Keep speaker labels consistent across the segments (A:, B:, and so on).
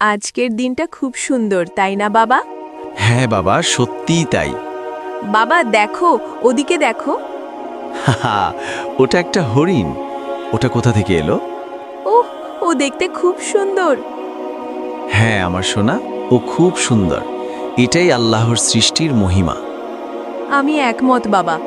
A: আজকের দিনটা খুব সুন্দর তাই না বাবা?
B: হ্যাঁ বাবা, সত্যিই তাই।
A: বাবা দেখো, ওদিকে দেখো।
B: হাহা, ওটা একটা হরিণ। ওটা কোথা থেকে এলো?
A: ওহ, ও দেখতে খুব সুন্দর।
B: হ্যাঁ আমার সোনা, ও খুব সুন্দর। এটাই আল্লাহর সৃষ্টির মহিমা।
A: আমি একমত বাবা।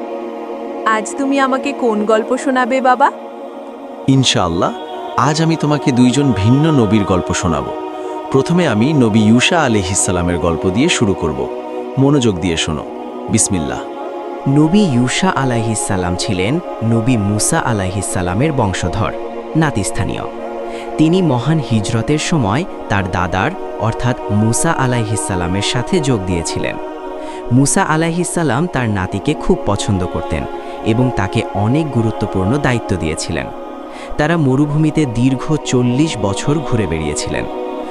A: আজ তুমি আমাকে কোন গল্প শোনাবে বাবা?
B: ইনশাআল্লাহ, আজ আমি তোমাকে দুইজন ভিন্ন নবীর গল্প শোনাবো। প্রথমে আমি নবী ইউসা আলাইহিসসালামের গল্প দিয়ে শুরু করব। মনোযোগ দিয়ে শোনো। বিসমিল্লাহ।
C: নবী ইউসা আলাইহিসসালাম ছিলেন নবী মুসা আলাইহিসসালামের বংশধর, নাতিস্থানীয়। তিনি মহান হিজরতের সময় তার দাদার অর্থাৎ মুসা আলাইহিসসালামের সাথে যোগ দিয়েছিলেন। মুসা আলাইহিসসালাম তার নাতিকে খুব পছন্দ করতেন এবং তাকে অনেক গুরুত্বপূর্ণ দায়িত্ব দিয়েছিলেন। তারা মরুভূমিতে দীর্ঘ 40 বছর ঘুরে বেড়িয়েছিলেন।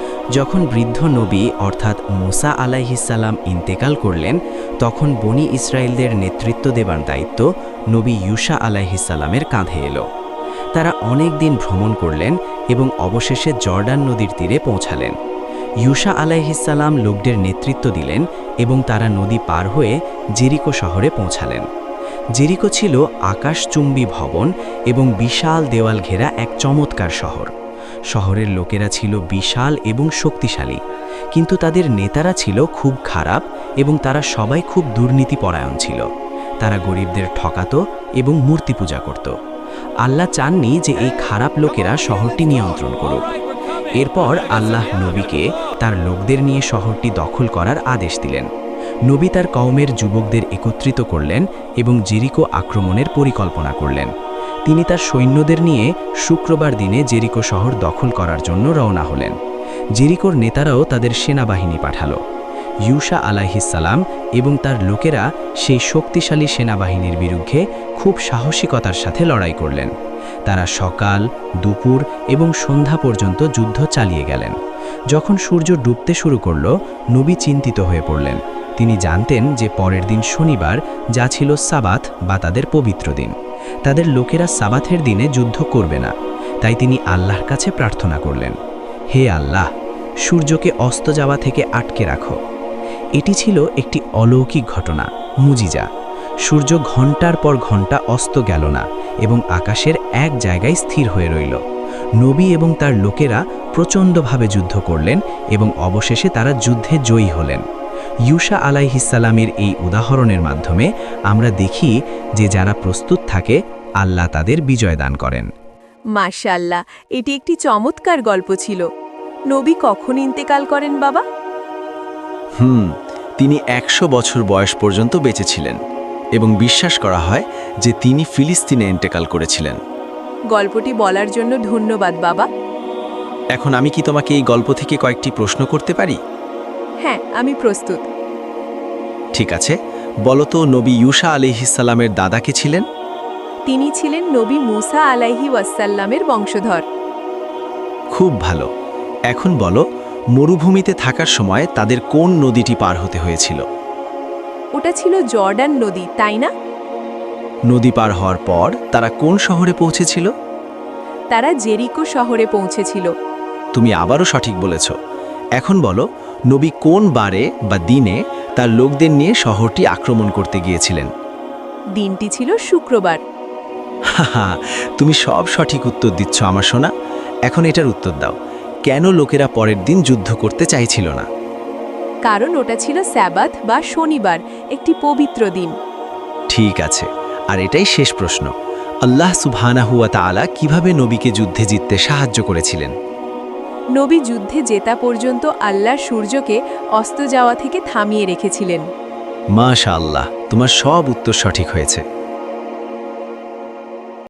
C: যখন বৃদ্ধ নবী অর্থাৎ মুসা আলাইহিসসালাম ইন্তেকাল করলেন, তখন বনি ইসরায়েলদের নেতৃত্ব দেবার দায়িত্ব নবী ইউসা আলাইহিসসালামের কাঁধে এলো। তারা অনেক দিন ভ্রমণ করলেন এবং অবশেষে জর্ডান নদীর তীরে পৌঁছালেন। ইউসা আলাইহিসসালাম লোকদের নেতৃত্ব দিলেন এবং তারা নদী পার হয়ে জেরিকো শহরে পৌঁছালেন। জেরিকো ছিল আকাশচুম্বী ভবন এবং বিশাল দেওয়াল ঘেরা এক চমৎকার শহর। শহরের লোকেরা ছিল বিশাল এবং শক্তিশালী, কিন্তু তাদের নেতারা ছিল খুব খারাপ এবং তারা সবাই খুব দুর্নীতিপরায়ণ ছিল। তারা গরিবদের ঠকাতো এবং মূর্তি পূজা করত। আল্লাহ চাননি যে এই খারাপ লোকেরা শহরটি নিয়ন্ত্রণ করুক। এরপর আল্লাহ নবীকে তার লোকদের নিয়ে শহরটি দখল করার আদেশ দিলেন। নবী তার কওমের যুবকদের একত্রিত করলেন এবং জেরিকো আক্রমণের পরিকল্পনা করলেন। তিনি তার সৈন্যদের নিয়ে শুক্রবার দিনে জেরিকো শহর দখল করার জন্য রওনা হলেন। জেরিকোর নেতারাও তাদের সেনাবাহিনী পাঠালো। ইউসা আলাইহিসসালাম এবং তার লোকেরা সেই শক্তিশালী সেনাবাহিনীর বিরুদ্ধে খুব সাহসিকতার সাথে লড়াই করলেন। তারা সকাল, দুপুর এবং সন্ধ্যা পর্যন্ত যুদ্ধ চালিয়ে গেলেন। যখন সূর্য ডুবতে শুরু করল, নবী চিন্তিত হয়ে পড়লেন। তিনি জানতেন যে পরের দিন শনিবার, যা ছিল সাবাত বা তাদের পবিত্র দিন। তাদের লোকেরা সাবাথের দিনে যুদ্ধ করবে না, তাই তিনি আল্লাহর কাছে প্রার্থনা করলেন, হে আল্লাহ, সূর্যকে অস্ত যাওয়া থেকে আটকে রাখো। এটি ছিল একটি অলৌকিক ঘটনা, মুজিজা। সূর্য ঘন্টার পর ঘন্টা অস্ত গেল না এবং আকাশের এক জায়গায় স্থির হয়ে রইল। নবী এবং তার লোকেরা প্রচণ্ডভাবে যুদ্ধ করলেন এবং অবশেষে তারা যুদ্ধে জয়ী হলেন। ইউসা আলাইহিসসালামের এই উদাহরণের মাধ্যমে আমরা দেখি যে যারা প্রস্তুত থাকে, আল্লাহ তাদের বিজয় দান করেন।
A: মাশাআল্লাহ, এটি একটি চমৎকার গল্প ছিল। নবী কখন ইন্তেকাল করেন বাবা?
B: তিনি 100 বছর বয়স পর্যন্ত বেঁচে ছিলেন এবং বিশ্বাস করা হয় যে তিনি ফিলিস্তিনে ইন্তেকাল করেছিলেন।
A: গল্পটি বলার জন্য ধন্যবাদ বাবা।
B: এখন আমি কি তোমাকে এই গল্প থেকে কয়েকটি প্রশ্ন করতে পারি?
A: হ্যাঁ, আমি প্রস্তুত।
B: ঠিক আছে, বলো তো নবী ইউসা আলাইহিসসালামের দাদা কে ছিলেন?
A: তিনি ছিলেন নবী মুসা আলাইহি ওয়াসাল্লামের বংশধর।
B: খুব ভালো। এখন বলো, মরুভূমিতে থাকার সময় তাদের কোন নদীটি পার হতে হয়েছিল?
A: ওটা ছিল জর্ডান নদী, তাই না?
B: নদী পার হওয়ার পর তারা কোন শহরে পৌঁছেছিল?
A: তারা জেরিকো শহরে পৌঁছেছিল।
B: তুমি আবারও সঠিক বলেছ। এখন বলো, নবী কোন বারে বা দিনে তার লোকদের নিয়ে শহরটি আক্রমণ করতে গিয়েছিলেন?
A: দিনটি ছিল শুক্রবার।
B: হাহা, তুমি সব সঠিক উত্তর দিচ্ছ আমার সোনা। এখন এটার উত্তর দাও, কেন লোকেরা পরের দিন যুদ্ধ করতে চাইছিল না?
A: কারণ ওটা ছিল সাবাত বা শনিবার, একটি পবিত্র দিন।
B: ঠিক আছে, আর এটাই শেষ প্রশ্ন। আল্লাহ সুবহানাহু ওয়া তাআলা কিভাবে নবীকে যুদ্ধে জিততে সাহায্য করেছিলেন?
A: নবী যুদ্ধে জেতা পর্যন্ত আল্লাহ সূর্যকে অস্ত যাওয়া থেকে থামিয়ে রেখেছিলেন।
B: মাশাআল্লাহ, তোমার সব উত্তর সঠিক হয়েছে।